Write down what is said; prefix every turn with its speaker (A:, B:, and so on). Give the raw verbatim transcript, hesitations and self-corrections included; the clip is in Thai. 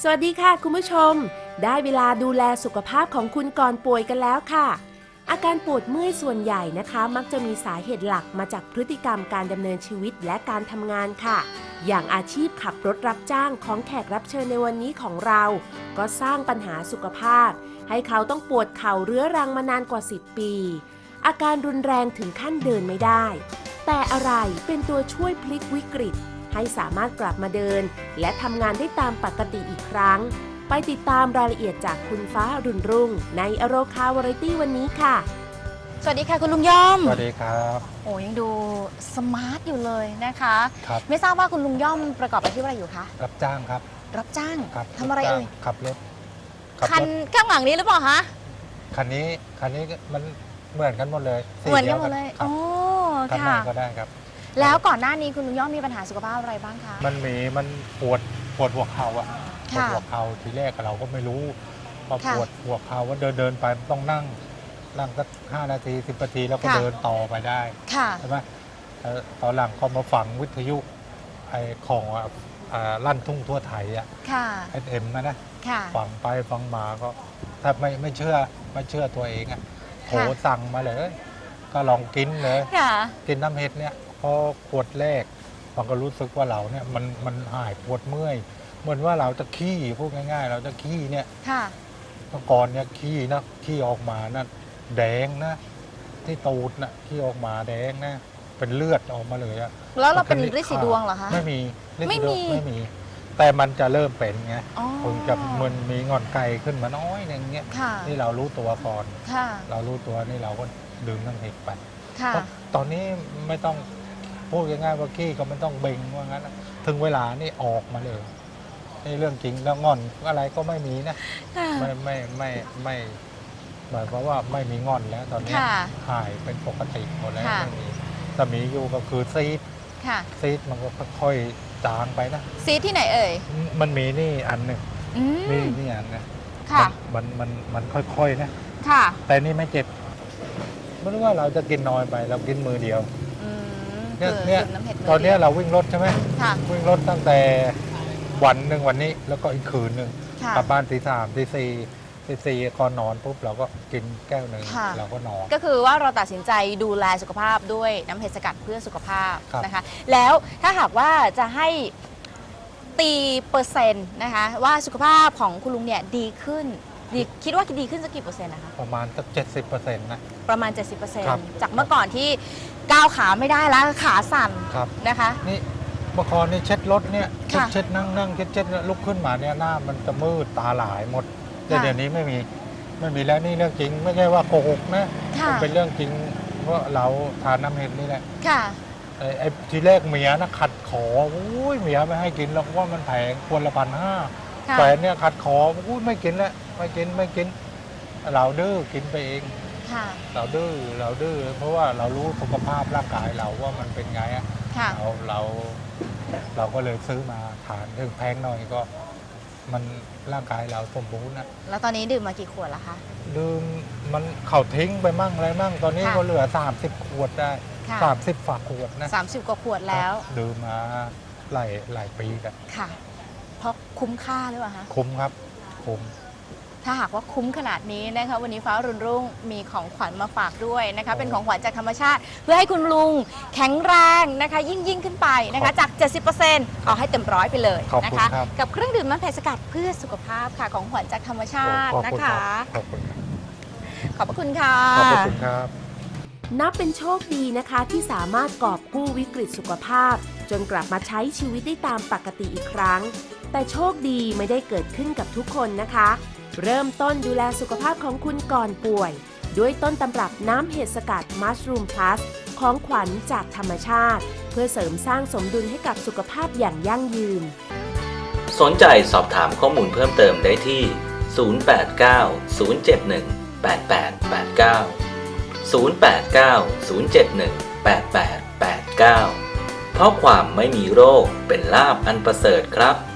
A: วัสดีค่ะคุณผู้ชมได้เวลาดูแลสุขภาพของคุณก่อนป่วยกันแล้วค่ะอาการปวดเมื่อยส่วนใหญ่นะคะมักจะมีสาเหตุหลักมาจากพฤติกรรมการดำเนินชีวิตและการทำงานค่ะอย่างอาชีพขับรถรับจ้างของแขกรับเชิญในวันนี้ของเราก็สร้างปัญหาสุขภาพให้เขาต้องปวดเข่าเรื้อรังมานานกว่าสิบปีอาการรุนแรงถึงขั้นเดินไม่ได้แต่อะไรเป็นตัวช่วยพลิกวิกฤตให้สามารถกลับมาเดินและทำงานได้ตามปกติอีกครั้งไปติดตามรายละเอียดจากคุณฟ้ารุ่นรุ่งในอโรคาวาไรตี้วันนี้ค่ะ
B: สวัสดีค่ะคุณลุงย่อม
C: สวัสดีครับ
B: โอ้ยังดูสมาร์ทอยู่เลยนะคะ
C: ครับ
B: ไม่ทราบว่าคุณลุงย่อมประกอบอาชีพอะไรอยู่คะ
C: รับจ้างครับ
B: รับจ้าง
C: ครับ
B: ทำอะไรเอ่ย
C: ขับรถ
B: คันข้างหลังนี้หรือเปล่าคะ
C: คันนี้คันนี้มันเหมือนกันหมดเลย
B: เหมือนกันหมดเลยโอ้
C: ค่ะคันไหนก็ได้ครับ
B: แล้วก่อนหน้านี้คุณลุงย่อมมีปัญหาสุขภาพอะไรบ้างคะ
C: มันมีมันปวดปวดหัวเข่าอะปวดหัวเข่าทีแรกเราก็ไม่รู้พอปวดหัวเข่าว่าเดินเดินไปต้องนั่งนั่งสักห้านาทีสิบนาทีแล้วก็เดินต่อไปได้ใช่ไหมตอนหลังก็มาฝังวิทยุไอ้ของลั่นทุ่งทั่วไทยอะไอเอ็มนะนะฟังไปฟังมาก็ถ้าไม่ไม่เชื่อไม่เชื่อตัวเองอะโทรสั่งมาเลยก็ลองกินเลยกินน้ำเห็ดเนี่ยพอขวดแรกมันก็รู้สึกว่าเราเนี่ยมันมันหายปวดเมื่อยเหมือนว่าเราจะขี้พูดง่ายๆเราจะขี้เนี่ยเมื่อก่อนเนี่ยขี้นะขี้ออกมานะแดงนะที่ตูดนะขี้ออกมาแดงนะเป็นเลือดออกมาเลยอะ
B: แล้วเราเป็นฤทธิ์สีดวงเหรอคะ
C: ไม่มีไม่มีไม่มีแต่มันจะเริ่มเป็นไงคงจะมันมีงอนไก่ขึ้นมาน้อยนึงเงี้ยนี่เรารู้ตัวก่อนเรารู้ตัวนี่เราก็ดื่มน้ำเห็ดไปตอนนี้ไม่ต้องพูดง่ายๆว่าขี้ก็ไม่ต้องเบ่งว่างั้นถึงเวลานี่ออกมาเลยนี่เรื่องจริงแล้วงอนอะไรก็ไม่มีนะไม่ไม่ไม่ไม่หมายความว่าไม่มีงอนแล้วตอนนี้หายเป็นปกติหมดแล้วไม่มีแต่มีอยู่ก็คือซีดซีดมันก็ค่อยๆจางไปนะ
B: ซีดที่ไหนเอ่ย
C: มันมีนี่อันหนึ่งนี่นี่อันนะมันมันมันค่อยๆนะแต่นี่ไม่เจ็บไม่รู้ว่าเราจะกินน้อยไปเรากินมือเดียวเนี่ยเนี่ยตอนนี้เราวิ่งรถใช่ไหมวิ่งรถตั้งแต่วันหนึ่งวันนี้แล้วก็อีกคืนหนึ่งกลับบ้านตีสามตีสี่ตีสี่ก่อนนอนปุ๊บเราก็กินแก้วหนึ่งเราก็นอน
B: ก็คือว่าเราตัดสินใจดูแลสุขภาพด้วยน้ำเห็ดสกัดเพื่อสุขภาพนะคะแล้วถ้าหากว่าจะให้ตีเปอร์เซ็นต์นะคะว่าสุขภาพของคุณลุงเนี่ยดีขึ้นดีคิดว่าดีขึ้นสักกี่เปอร์เซ็นต์นะคะ
C: ประมาณสักเจ็ดสิบเปอร์เซ็นต์นะ
B: ประมาณ เจ็ดสิบเปอร์เซ็นต์ จากเมื่อก่อนที่ก้าวขาไม่ได้แล้วขาสั่นนะคะ
C: นี่เมื่อก่อนนี่เช็ดรถเนี่ยเช็ดเช็ดนั่งนั่งเช็ดเช็ดลุกขึ้นมาเนี่ยหน้ามันจะมืดตาหลายหมดแต่เดี๋ยวนี้ไม่มีไม่มีแล้วนี่เรื่องจริงไม่ใช่ว่าโกหกนะมันเป็นเรื่องจริงเพราะเราทานน้ำเห็ดนี่แหละไอ้ทีแรกเมียนะขัดขออุ้ยเมียไม่ให้กินแล้วว่ามันแพงควรละพันห้าแฟนเนี่ยขัดขออุ้ยไม่กินแล้วไม่กินไม่กินเราดื้อกินไปเองเราดื้อเราดื้อเพราะว่าเรารู้สุขภาพร่างกายเราว่ามันเป็นไงอ่ะเราเราเราก็เลยซื้อมาทานถึงแพงหน่อยก็มันร่างกายเราสมบูรณ์นะ
B: แล้วตอนนี้ดื่มมากี่ขวดแล้วคะ
C: ดื่มมันเข่าทิ้งไปมั่งอะไรมั่งตอนนี้ก็เหลือสามสิบขวดได้สามสิบฝาขวดนะ
B: สามสิบกว่าขวดแล้ว
C: ดื่มมาหลายหลายปีกัน
B: ค่ะเพราะคุ้มค่าหรือเปล่าคะ
C: คุ้มครับคุ้ม
B: ถ้าหากว่าคุ้มขนาดนี้นะคะวันนี้ฟ้ารุ่นรุ่งมีของขวัญมาฝากด้วยนะคะเป็นของขวัญจากธรรมชาติเพื่อให้คุณลุงแข็งแรงนะคะยิ่งยิ่งขึ้นไปนะคะจาก เจ็ดสิบเปอร์เซ็นต์ เอาให้เต็มร้อยไปเลยนะคะกับเครื่องดื่มน้ำเห็ดสกัดเพื่อสุขภาพค่ะของขวัญจากธรรมชาตินะคะ
C: ขอบคุณ
B: ขอบพระคุณค่ะ
C: ขอบคุณครับ
A: นับเป็นโชคดีนะคะที่สามารถกอบกู้วิกฤตสุขภาพจนกลับมาใช้ชีวิตได้ตามปกติอีกครั้งแต่โชคดีไม่ได้เกิดขึ้นกับทุกคนนะคะเริ่มต้นดูแลสุขภาพของคุณก่อนป่วยด้วยต้นตำรับน้ำเห็ดสกัดมัชรูมพลัสของขวัญจากธรรมชาติเพื่อเสริมสร้างสมดุลให้กับสุขภาพอย่างยั่งยืน
D: สนใจสอบถามข้อมูลเพิ่มเติมได้ที่ศูนย์ แปด เก้า ศูนย์ เจ็ด หนึ่ง แปด แปด แปด เก้า ศูนย์ แปด เก้า ศูนย์ เจ็ด หนึ่ง แปด แปด แปด เก้าเพราะความไม่มีโรคเป็นลาภอันประเสริฐครับ